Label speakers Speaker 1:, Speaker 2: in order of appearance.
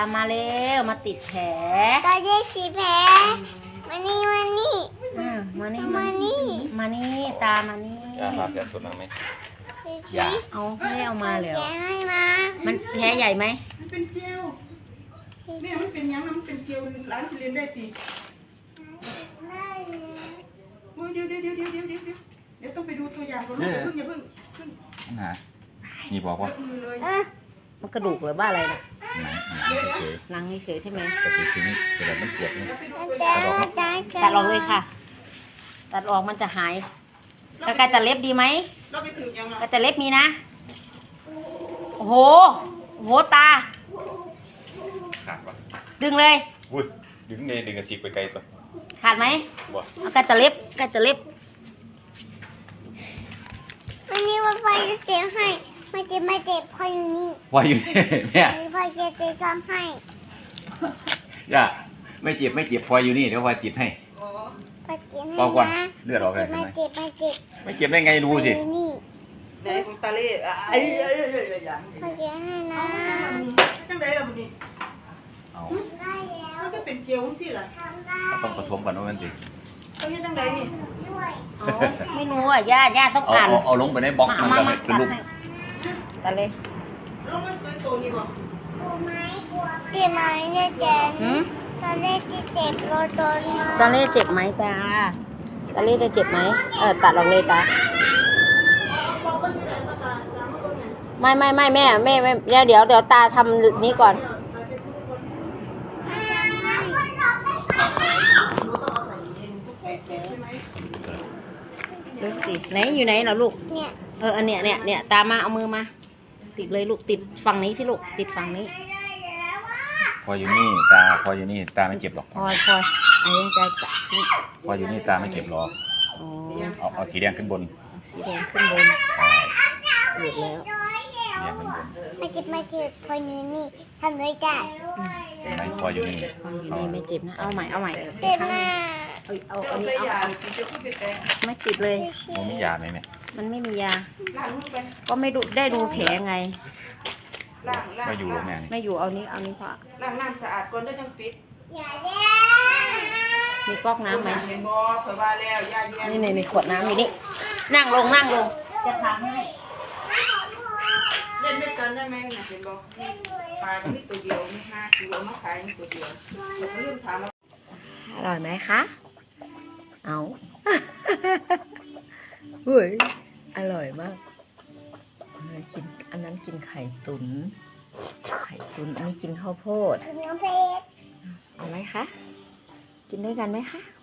Speaker 1: มาเร็วมาติดแผล
Speaker 2: ตาเย็ดสีแผลมานี่มานี่
Speaker 1: มานี่
Speaker 2: มานี่
Speaker 1: มานี่ตามานี่
Speaker 3: ครับจะสุดไหม
Speaker 2: อย่า
Speaker 1: เอาให้เอามาเลย
Speaker 2: แกให้มา
Speaker 1: มันแผลใหญ่ไหม
Speaker 4: มันเป็นเจลเนี่ยมันเป็นยังมันเป็นเจลร้านที่เรียนได้ตีเดี๋ยวต้องไปดูตัวอย่างก่อนอย่าเพิ่ง
Speaker 3: นะนี่บอกว่า
Speaker 4: มือเลย
Speaker 1: มันกระดูกหรือว่าอะไรนะ
Speaker 3: หนังเฉย
Speaker 1: หนังเฉยๆใช่ไหม
Speaker 3: แต่ทีนี้แต่แบบมันปวดนี่
Speaker 1: ตัดออกเลยค่ะ ตัดออกมันจะหายกระไกตัดเล็บดีไหม
Speaker 4: เราไปถึงยัง
Speaker 1: กระแต่เล็บมีนะโอ้โหตา
Speaker 3: ขาดปะ
Speaker 1: ดึงเลย
Speaker 3: วุ้ยดึงเนี่ยดึงกระสิบไปไกลตัว
Speaker 1: ขาดไหม
Speaker 3: บ่
Speaker 1: เอากระแต่เล็บ
Speaker 2: วันนี้ว่าพ่อจะเจ็บให้มาเจ็บพ่ออยู่นี่
Speaker 3: ว่าอยู่นี่เนี่ย
Speaker 2: พ่อจะทำให้
Speaker 3: ย่าไม่เจ็บพออยู่นี่เดี๋ยวพอจิบให้
Speaker 2: พ่อเจ็บให้
Speaker 3: เบาก่อน
Speaker 2: นะ
Speaker 3: เลือดออกเลย
Speaker 2: มาเจ็บ
Speaker 3: ไม่เจ็บได้ไงรู้สิ
Speaker 2: อยู่นี่
Speaker 4: ไหนของตาเล่ไอ้ยัง
Speaker 2: พ่อเจ็บให้นะ
Speaker 4: จังไดล่ะบุนี่
Speaker 3: เอา
Speaker 2: ได้แล้ว
Speaker 4: มันก็เป็นเจลสิล่ะ
Speaker 2: ทำได้
Speaker 3: ต้องผสมกันว่ามันสิ
Speaker 4: เขาเฮ็ดจังไดนี่
Speaker 2: ด้วย
Speaker 1: อ๋อไม่รู้อ่ะย่าต้องอ่าน
Speaker 3: เอาลงไปในบล็อกมันจะเป็นรูป
Speaker 1: ตัดเลย
Speaker 4: แล้วมันเป็นตัวนี้บ่
Speaker 2: เจ็บไหมเนี่ยเจ็บ
Speaker 1: หืม
Speaker 2: ตอนแรกที่เจ็บโดนมา
Speaker 1: ตาเล่เจ็บไหมตาเล่จะเจ็บไหมตัดออกเลยตาไม่แม่เดี๋ยวตาทำนี้ก่อนลูกสิไหนอยู่ไหนเหรอลูก
Speaker 2: เนี่ย
Speaker 1: อันเนี้ยตามาเอามือมาติดเลยลูกติดฝั่งนี้ที่ลูกติดฝั่งนี้
Speaker 3: พออยู่นี่ตาพออยู่นี่ตาไม่เจ็บหรอก
Speaker 1: พออันนี้จะ
Speaker 3: พออยู่นี่ตาไม่เจ็บหรอก
Speaker 1: อ๋อ
Speaker 3: เอาสีแดงขึ้นบน
Speaker 1: สีแดงขึ้นบน
Speaker 3: ใช่
Speaker 1: หลุดแล้ว
Speaker 3: สีแดงขึ้นบน
Speaker 2: มาเจ็บพออยู่นี่ทำเลยจ้ะ
Speaker 3: เห็นไหมพออยู่นี่
Speaker 1: ฟังอยู่นี่ไม่เจ็บนะเอาใหม่
Speaker 2: เจ็บมาก
Speaker 1: เอา
Speaker 4: เอา
Speaker 1: อัน
Speaker 4: ไป
Speaker 1: นี้
Speaker 4: ยา
Speaker 1: เอา
Speaker 4: จะพูดไปแต่
Speaker 1: ไม่ติดเลย
Speaker 3: มันมียาไหมเนี่ย
Speaker 1: มันไม่มียา
Speaker 4: ล้างมือไป
Speaker 1: ก็ไม่ดูได้ดูแผลไง
Speaker 4: ล้าง
Speaker 3: มาอยู่แล้วแม่นี่
Speaker 1: ไม่อยู่เอานี้พอ
Speaker 4: ล้างน้ำสะอาดก่อนแล้วจังปิด
Speaker 2: อย่าแย่
Speaker 1: มีก๊อกน้ำไหม
Speaker 4: เห็นบ่เผื่อว่าแล้วยาเย็น
Speaker 1: นี่ขวดน้ำอยู่นี่นั่งลงจะทำให้
Speaker 4: เล่นด้วยกันได้ไหมนะเห็นบ่ปลาที่ตัวเดียวมี5 กิโลมาขายตัวเดียวผมลืมถาม
Speaker 1: อร่อยไหมคะเอา เฮ้ยอร่อยมากกินอันนั้นกินไข่ตุ๋นอันนี้กินข้าวโพด
Speaker 2: น้องเพชร
Speaker 1: เอาไหมคะกินด้วยกันไหมคะ